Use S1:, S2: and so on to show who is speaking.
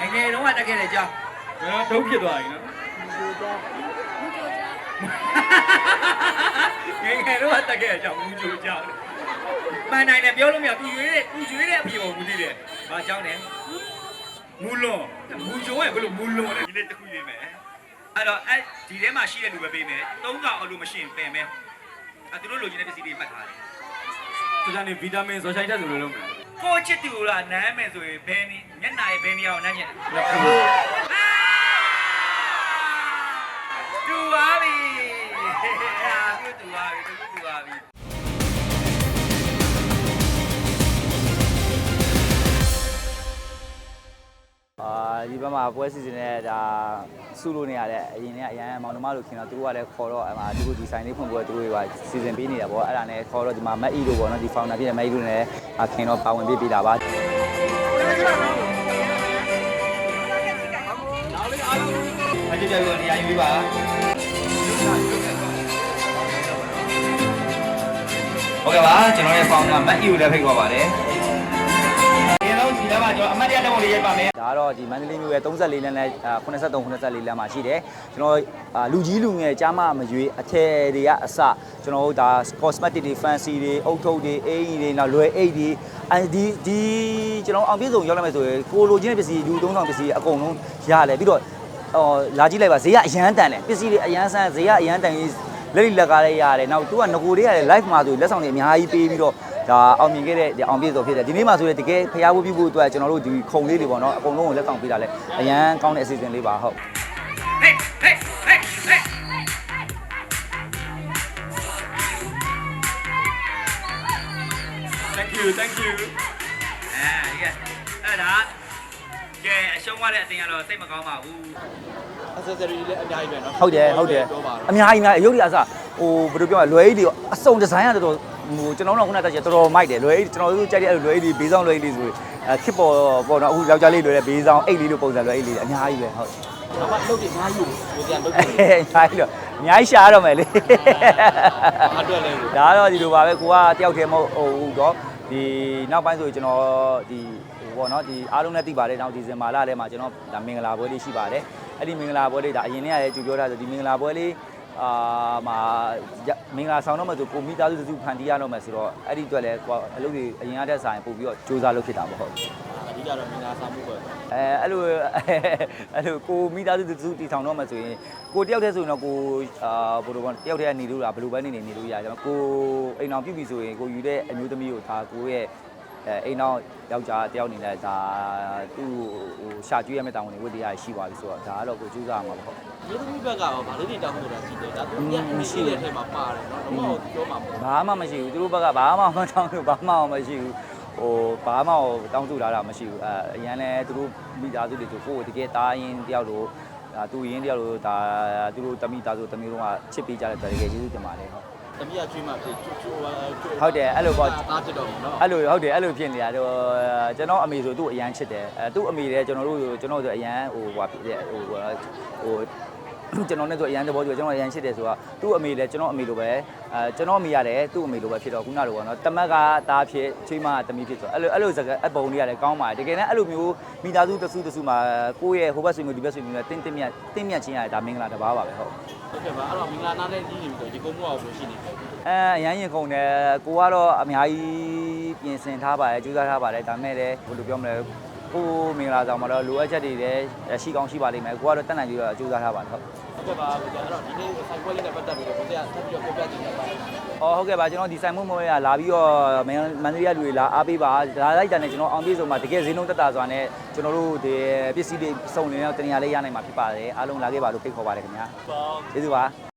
S1: ငယ်တုန်းကတက်ခဲ့တဲ့အကြောင်းဒုံးဖြစ်သွားပြီနော်ငယ်တုန်းကတက်ခဲ့တဲ့အကြောင်းမူချိုကြောင်းမှန်နိုင်တယ်ပြောလို့မရသူရွေးတဲ့အပြေပေါ်မူတည်တယ်ဘာကြောင်းလဲမူလွန်မူချိုကဘယ်လိုမူလွန်လဲဒီနေ့တစ်ခုရေးမယ်အဲ့တော့ဒီထဲမှာရှိတဲ့လူပဲပေးမယ်၃កောင်အလိုမရှိရင်ပယ်မယ်သူတို့လိုချင်တဲ့ပစ္စည်းတွေမှတ်ထားတယ်သူကဗီတာမင်ဆိုဆိုင်တက်ဆိုလို့လုပ်မယ်ကိုချစ်သူလားနမ်းမယ်ဆိုရင်ဘယ်နည်းမျက်နှာရဲ့ဘယ်နည်းအောင်နမ်းချက်တူပါပြီဟာပြုတူပါပြီတူပါပြီ
S2: ဒီဘက်မှာပွဲစီစဉ်တဲ့ဒါစုလို့နေရတဲ့အရင်ကအရန်မောင်နှမလို့ခင်တော့သူတို့ကလည်းခေါ်တော့ဒီကိုဒီဆိုင်လေးဖွင့်ပွဲသူတို့တွေကစီစဉ်ပေးနေတာပေါ့အဲ့ဒါနဲ့ခေါ်တော့ဒီမှာမက်အီတို့ပေါ့နော်ဒီဖောင်နာပြည့်တဲ့မက်အီတို့လည်းခင်တော့ပါဝင်ပေးတာပါအကြည့်ကြရနေရာယူပါဟုတ်ကဲ့ပါကျွန်တော်ရဲ့ဖောင်နာမက်အီကိုလည်းဖိတ်ခေါ်ပါတယ်ဒီမှာကျွန်တော်အမှတ်တရတက်ပုံလေးရိုက်ပါမယ်ဒါကတော့ဒီမန္တလေးမြို့ရဲ့34လမ်းနဲ့83လမ်းမှာရှိတယ်ကျွန်တော်လူကြီးလူငယ်ကြားမမရွေးအထည်တွေကအစကျွန်တော်တို့ဒါ cosmetic တွေ fancy တွေအုတ်ထုပ်တွေအိမ်တွေနောက်လွယ်အိတ်တွေဒီကျွန်တော်အောင်ပြည့်စုံရောက်လာမယ်ဆိုရင်ကိုလိုချင်းပစ္စည်းလူသုံးဆောင်ပစ္စည်းအကုန်လုံးရတယ်ပြီးတော့လာကြည့်လိုက်ပါဈေးကအရန်တန်တယ်ပစ္စည်းတွေအရန်ဆန်းဈေးကအရန်တန်ကြီးလက်လက်ကားလေးရတယ်နောက်သူကငကိုတွေကလည်း live မှာဆိုလက်ဆောင်တွေအများကြီးပေးပြီးတော့ဒါအောင်မြင်ခဲ့တဲ့အောင်ပြည့်စုံဖြစ်တယ်ဒီနေ့မှဆိုရင်တကယ်ဖျားဖို့ပြုဖို့အတွက်ကျွန်တော်တို့ဒီခုံလေးတွေပေါ့နော်အကုန်လုံးကိုလက်ဆောင်ပေးတာလဲအရန်ကောင်းတဲ့အစီအစဉ်လေးပါဟုတ်
S1: Hey hey hey hey Thank you thank you အဲ့ဒါကဲအရှုံးရတဲ့အတင်ကတော့စိတ်မကောင်းပါဘူး
S3: accessory လည်းအများကြီးပဲเนาะ
S2: ဟုတ်တယ်အများကြီးအယုတ်ဒီအစားဟိုဘယ်လိုပြောလဲလွယ်ကြီးတွေအစုံဒီဇိုင်းကတော်တော်ဟိုကျွန်တော်တို့ခုနကတက်ချင်တော်တော်မိုက်တယ်လွယ်ကြီးကျွန်တော်တို့ကြိုက်တဲ့လွယ်ကြီးဘေးဆောင်လွယ်ကြီးဆိုခစ်ပေါ်ပေါ့နော်အခုယောက်ျားလေးလွယ်တဲ့ဘေးဆောင်အိတ်လေးလိုပုံစံလွယ်ကြီးလေးအများကြီးပဲဟုတ်
S3: နောက်မှလုပ်ပြီးအများကြီးကိုပြန်လုပ်ပြီး
S2: အများကြီးတော့အများကြီးရှာရတော့မယ်လေ
S3: အတွက်လဲ
S2: ဒါတော့ဒီလိုပါပဲကိုကတယောက်တည်းမဟုတ်ဟိုတော့ဒီနောက်ပိုင်းဆိုကျွန်တော်ဒီဟိုပေါ့နော်ဒီအားလုံးနဲ့သိပါတယ်နောက်ဒီဇင်ဘာလထဲမှာကျွန်တော်ဒါမင်္ဂလာပွဲလေးရှိပါတယ်အဲ့ဒီမင်္ဂလာပွဲလေးဒါအရင်နေ့ကလည်းကြိုပြောထားဆိုဒီမင်္ဂလာပွဲလေးမှာမင်္ဂလာဆောင်တော့မှဆိုကိုမိသားစုစုဖန်တီးရတော့မှဆိုတော့အဲ့ဒီအတွက်လည်းကိုအလုပ်တွေအရင်ကတည်းကဆိုင်ပို့ပြီးတော့စူးစမ်းလုပ်ဖြစ်တာပေါ့ဟုတ်
S3: အဓိကတော့မင်္ဂလာဆောင်မှုပဲ
S2: အဲ့လိုကိုမိသားစုစုတည်ထောင်တော့မှဆိုရင်ကိုတယောက်တည်းဆိုရင်တော့ကိုဘယ်လိုပေါ့တယောက်တည်းကနေလို့တာဘယ်လိုပဲနေလို့ရကြမှာကိုအိမ်အောင်ပြုပြီဆိုရင်ကိုယူတဲ့အမျိုးသမီးကိုဒါကိုရဲ့အိမ်အောင်ယောက်ျားတယောက်နေလဲဒါသူ့ဟိုရှာကျွေးရမယ့်တောင်းဝင်ဝတ်တရားရှိပါပြီဆိုတော့ဒါကတော့ကိုကျူးစားမှာပေါ့
S3: မျိုးသမီးဘက်ကရောဗာလေးတွေတောင်းဆိုတာရှိတယ်ဒါသူညမရှိတဲ့အထက်မှာပါတယ်เนาะတော့ပြောမှာပေါ့
S2: ဘာမှမရှိဘူးသူတို့ဘက်ကဘာမှမတောင်းလို့ဘာမှမရှိဘူးဟိုဘာမှတောင်းဆိုတာမရှိဘူးအရန်လဲသူတို့မိသားစုတွေဆိုကိုယ်တကယ်တားရင်တယောက်လို့ဒါသူရင်းတယောက်လို့ဒါသူတို့တမိသားစုတမျိုးလုံးကချစ်ပေးကြတဲ့တကယ်ကျေးဇူးတင်ပါတယ်ဟုတ်
S3: တမီးကကျွေးမှဖြစ်
S2: ဟုတ်တယ်အဲ့လိုပေါ့
S3: သားဖြစ်တော့ဘူးเนาะ
S2: အဲ့လိုဟုတ်တယ်အဲ့လိုဖြစ်နေတာတော့ကျွန်တော်အမေဆိုသူ့အရန်ချစ်တယ်သူ့အမေလည်းကျွန်တော်ဆိုအရန်ဟိုဖြစ်တဲ့ဟိုကျွန်တော်နဲ့ဆိုအရန်သဘောကျကျွန်တော်အရန်ချစ်တယ်ဆိုတာသူ့အမေလည်းကျွန်တော်အမေလိုပဲကျွန်တော်အမေရတယ်သူ့အမေလိုပဲဖြစ်တော့ခုနလိုပေါ့နော်တမက်ကသားဖြစ်ချွေးမတမီးဖြစ်ဆိုအဲ့လိုစကားအပုံလေးရတယ်ကောင်းပါတယ်တကယ်လည်းအဲ့လိုမျိုးမိသားစုတစုမှာကိုယ့်ရဲ့ဟိုဘက်ဆွေမျိုးဒီဘက်ဆွေမျိုးနဲ့တင်းမြတ်ချင်းရတယ်ဒါမင်္ဂလာတစ်ပါးပါပဲဟုတ်
S3: ဟုတ်ကဲ့ပါအဲ့တော့မင်္ဂလာနားနဲ့ကြီးနေပြီဆိုဒီကုန်းမောက်ကိုရှိနေတယ်
S2: အရန်ရင်ခုန်တယ်ကိုကတော့အများကြီးပြင်ဆင်ထားပါတယ်ကြိုးစားထားပါတယ်ဒါမဲ့လည်းဘယ်လိုပြောမလဲကိုမင်္ဂလာဆောင်မှာတော့လိုအပ်ချက်တွေလည်းရှိကောင်းရှိပါလိမ့်မယ်ကိုကတော့တက်နိုင်ပြီးတော့ကြိုးစားထားပါတယ်ဟုတ်
S3: ကဲ့ပါအဲ့တော့ဒီနေ့ဆိုင်ပွဲလေးနဲ့ပတ်သက်ပြီးတော့ကိုယ်ကဆက်ပြီးတော့ပြောပြချင်တယ်ပါ
S2: ဟုတ်ကဲ့ပါကျွန်တော်ဒီဆိုင်မုံမောရလာပြီးတော့မန္တလေးလူတွေလာအားပေးပါဒါလိုက်တာနဲ့ကျွန်တော်အောင်ပြေဆုံးမှာတကယ်ဈေးနှုန်းတက်တာစွာနဲ့ကျွန်တော်တို့ဒီပစ္စည်းတွေစုံလင်တော့တနေရာလေးရနိုင်မှာဖြစ်ပါတယ်အားလုံးလာခဲ့ပါလို့ဖိတ်ခေါ်ပါတယ်ခင်ဗျာကျေးဇူးပါ